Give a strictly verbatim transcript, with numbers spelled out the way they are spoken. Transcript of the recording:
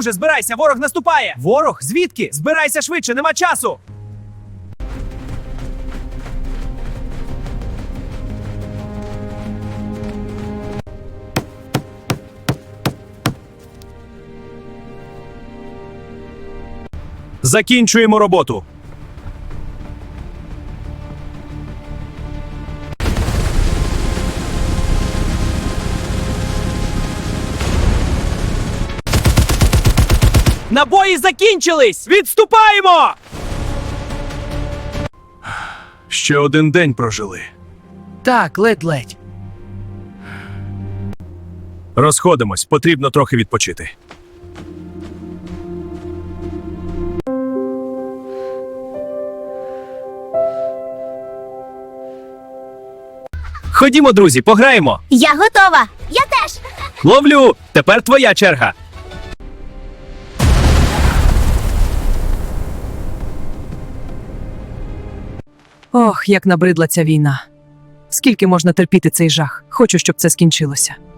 друже, збирайся, ворог наступає! Ворог? Звідки? Збирайся швидше, нема часу! Закінчуємо роботу. Набої закінчились! Відступаємо! Ще один день прожили. Так, ледь-ледь. Розходимось, потрібно трохи відпочити. Ходімо, друзі, пограємо. Я готова. Я теж. Ловлю! Тепер твоя черга. Ох, як набридла ця війна. Скільки можна терпіти цей жах? Хочу, щоб це скінчилося.